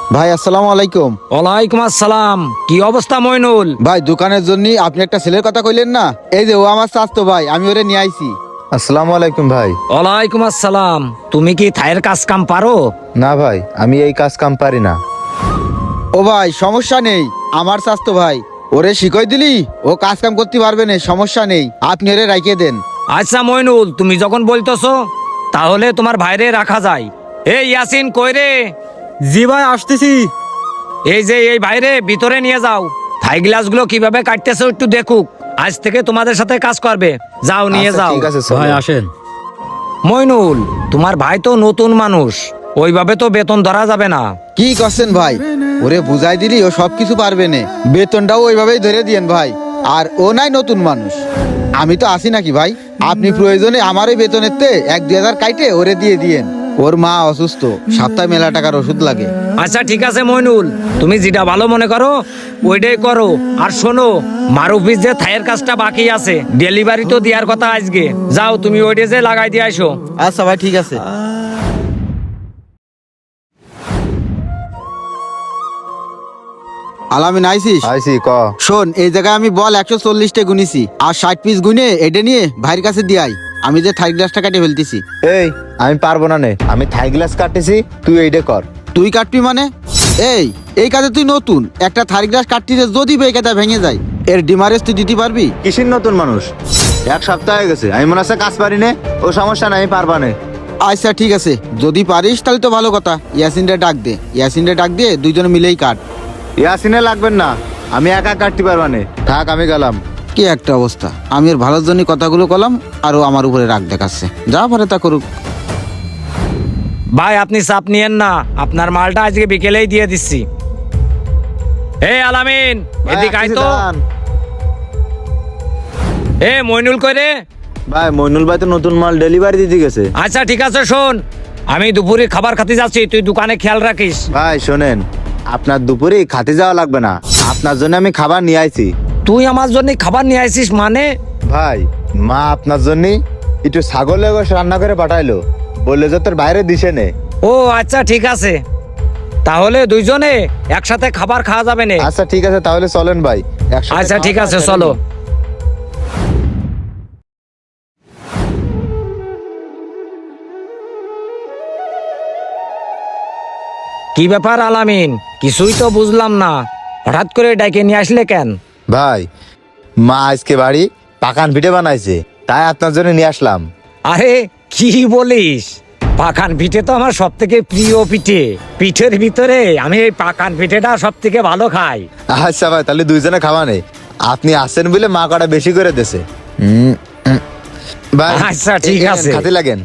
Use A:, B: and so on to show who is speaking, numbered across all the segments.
A: ভাই আসসালামু আলাইকুম।
B: ওয়ালাইকুম আসসালাম। কি অবস্থা মইনুল?
A: ভাই দোকানের জন্য আপনি একটা ছেলের কথা কইলেন না, এই যে ও আমার চাচতো ভাই, আমি ওরে নিয়ে আইছি।
C: আসসালামু আলাইকুম ভাই।
B: ওয়ালাইকুম আসসালাম। তুমি কি থায়ের কাজ কাম পারো?
C: না ভাই, আমি এই কাজ কাম পারি না।
A: ও ভাই সমস্যা নেই, আমার চাচতো ভাই, ওরে শিখাই দিলি ও কাজ কাম করতে পারবে না, সমস্যা নেই, আপনি ওরে রাখিয়ে দেন।
B: আচ্ছা মইনুল, তুমি যখন বলতেছো তাহলে তোমার ভাইরে রাখা যায়। এই ইয়াসিন কই রে?
D: জি ভাই, আসতেছি।
B: এই যে এই ভাইরে ভিতরে নিয়ে যাও, থাই গ্লাসগুলো কিভাবে কাটতেছো একটু দেখুক। আজ থেকে তোমাদের সাথে কাজ করবে, যাও নিয়ে
C: আচ্ছা,
B: যাও।
C: ঠিক আছে চলো।
D: ভাই আসেন।
B: মইনুল, তোমার ভাই তো নতুন মানুষ, ওইভাবে তো বেতন ধরা যাবে না।
A: কি করছেন ভাই, ওরে বুঝাই দিলি ও সবকিছু পারবে না, বেতনটাও ওইভাবেই ধরে দিয়েন ভাই। আর ও নাই নতুন মানুষ, আমি তো আসি নাকি ভাই, আপনি প্রয়োজনে আমার ওই বেতনের তে 1-2 হাজার কাইটে ওরে দিয়ে দিয়েন। ওর মা অসুস্থ, সপ্তাহে মেলা টাকার ওষুধ লাগে।
B: আচ্ছা ঠিক আছে মইনুল, তুমি যেটা ভালো মনে করো ওইটাই করো। আর শোনো, মারুফিস যে থায়ের কাজটা বাকি আছে, ডেলিভারি তো দেওয়ার কথা আজকে, যাও তুমি ওইটা যে লাগাই দিয়ে আসো।
A: আচ্ছা ভাই ঠিক আছে। আলামিন আইসিস?
C: আইসি ক।
A: শোন, এই জায়গায় আমি বল 140টা গুনিছি, আর 60 পিস গুনে এটা নিয়ে ভাইয়ের কাছে দিয়াই, আমি যে থাই গ্লাসটা কাটে ফেলতেছি।
C: এই আমি পারবো না নে, আমি থাই গ্লাস কাটতেছি, তুই এইটা কর।
A: তুই কাটবি মানে? এই কাজে তুই নতুন, একটা থাই গ্লাস কাটতে যে যদি বেকাটা ভেঙে যায়, এর ডিমারেজ তুই দিতে পারবি?
C: কিসির নতুন মানুষ, 1 সপ্তাহ হয়ে গেছে, আমি মনে হচ্ছে কাজ পারি নে। ও সমস্যা নাই, আমি পারবা নে।
A: আচ্ছা ঠিক আছে, যদি পারিস তাহলে তো ভালো কথা। ইয়াসিনরে ডাক দে, ইয়াসিনরে ডাক দিয়ে দুইজনে মিলেই কাট।
C: ইয়াসিনে লাগবেন না, আমি একা কাটতে পারবা নে, থাক আমি গেলাম।
A: কি একটা অবস্থা, আমি এর ভালোর জন্য কথাগুলো কলাম, আর ও আমার উপরে রাগ দেখাচ্ছে, যা পারে তা করুক।
B: ভাই আপনি চাপ নিয়েন না, আপনার মালটা আজকে বিকেলেই দিয়ে দিচ্ছি। এই আলামিন, এদিকে আয় তো। এ মইনুল কই রে?
C: ভাই মইনুল ভাই তো নতুন মাল ডেলিভারি দিতে গেছে।
B: আচ্ছা ঠিক আছে, শোন, আমি দুপুরে খাবার খেতে যাচ্ছি, তুই দোকানে খেয়াল রাখিস।
C: ভাই শোনেন, আপনার দুপুরে খাতে যাওয়া লাগবে না, আপনার জন্য আমি খাবার নিয়ে আইছি।
B: তুই আমার জন্য খাবার নিয়ে আসিস মানে?
C: ভাই মা আপনার জন্য একটু ছাগলের গোশ রান্না করে পাঠাইলো, বললে যে তোর বাইরে দিছে নে।
B: ও আচ্ছা ঠিক আছে, তাহলে দুইজনে একসাথে খাবার খাওয়া যাবে না?
C: আচ্ছা ঠিক আছে, তাহলে চলেন ভাই একসাথে
B: আচ্ছা ঠিক
C: খাওয়া
B: আছে,
C: দাওয়া
B: চলো।
C: করি।
B: কি ব্যাপার আলামিন, কিছুই তো বুঝলাম না, হঠাৎ করে ডাইকে নিয়ে আসলে কেন?
C: ভাই মা আজকে বাড়ি পাকান পিঠে বানাইছে, তাই আপনার জন্য নিয়ে আসলাম।
B: আরে কি বলিস, পাকান পিঠে তো আমার সব থেকে প্রিয় পিঠে। পিঠের ভিতরে আমি এই পাকান পিঠেটা সব থেকে ভালো খাই।
C: আচ্ছা ভাই, তাহলে দুইজনে খাওয়া নেই, আপনি আসেন বলে মা কটা বেশি করে দেছে। ভাই
B: আচ্ছা, ঠিক আছে।
C: খাতে লাগেন।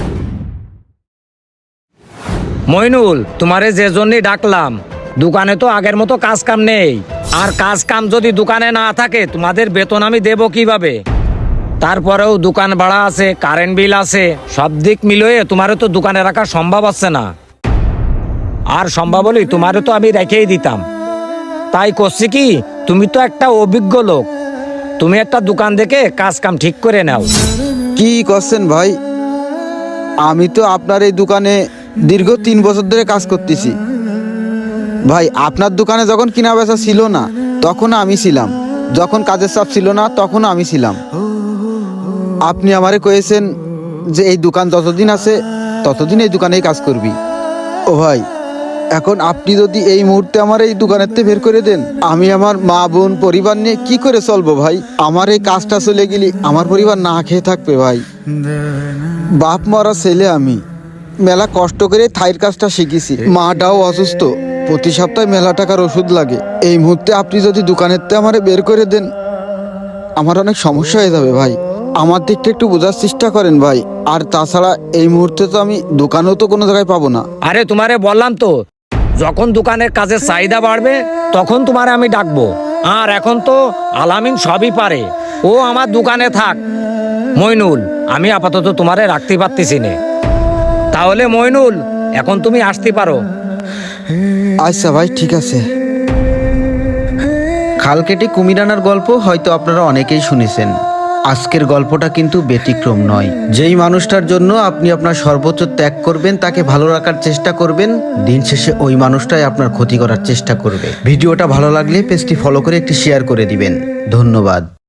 B: মইনুল, তোমারে যে জন্যই ডাকলাম, দোকানে তো আগের মতো কাজ কাম নেই, আর কাজ কাম যদি দোকানে না থাকে তোমাদের বেতন আমি দেব কিভাবে? তারপরেও দোকান ভাড়া আছে, কারেন্ট বিল আছে, সব দিক মিলিয়ে তোমারে তো দোকানে রাখা সম্ভব হচ্ছে না। আর সম্ভব হলেই তোমারে তো আমি রেখেই দিতাম। তাই করছি কি, তুমি তো একটা অভিজ্ঞ লোক, তুমি একটা দোকান দেখে কাজ কাম ঠিক করে নাও।
A: কি করছেন ভাই, আমি তো আপনার এই দোকানে দীর্ঘ 3 বছর ধরে কাজ করতেছি ভাই। আপনার দোকানে যখন কিনা বেচা ছিল না তখন আমি ছিলাম, যখন কাজের চাপ ছিল না তখন আমি ছিলাম। আপনি আমারে কয়েছেন যে এই দোকান যতদিন আছে ততদিন এই দোকানেই কাজ করবি। ও ভাই, এখন আপনি যদি এই মুহূর্তে আমার এই দোকানের থেকে বের করে দেন, আমি আমার মা বোন পরিবার নিয়ে কি করে চলবো ভাই? আমার এই কাজটা চলে গেলে আমার পরিবার না খেয়ে থাকবে ভাই। বাপ মরা ছেলে আমি, মেলা কষ্ট করে থাইর কাজটা শিখেছি, মাটাও অসুস্থ, প্রতি সপ্তাহে মেলা টাকার ওষুধ লাগে। এই মুহূর্তে আপনি যদি দোকানের থেকে আমারে বের করে দেন, আমার অনেক সমস্যা হয়ে যাবে ভাই। আমার দিকটা একটু বোঝার চেষ্টা করেন ভাই। আর তাছাড়া এই মুহূর্তে তো আমি দোকানেও তো কোনো জায়গায় পাবো না।
B: আরে তোমারে বললাম তো, যখন দোকানের কাজের চাহিদা বাড়বে তখন তোমারে আমি ডাকবো। আর এখন তো আলামিন সবই পারে, ও আমার দোকানে থাক। মইনুল, আমি আপাতত তোমারে রাখতে পারতেছি না, তাহলে মইনুল এখন তুমি আসতে পারো।
A: আচ্ছা ভাই ঠিক আছে। খাল কেটে কুমির আনার গল্প হয়তো আপনারা অনেকেই শুনেছেন। আজকের গল্পটা কিন্তু ব্যতিক্রম নয়। যেই মানুষটার জন্য আপনি আপনার সর্বোচ্চ ত্যাগ করবেন, তাকে ভালো রাখার চেষ্টা করবেন, দিন শেষে ওই মানুষটাই আপনার ক্ষতি করার চেষ্টা করবে। ভিডিওটা ভালো লাগলে পেজটি ফলো করে একটি শেয়ার করে দিবেন। ধন্যবাদ।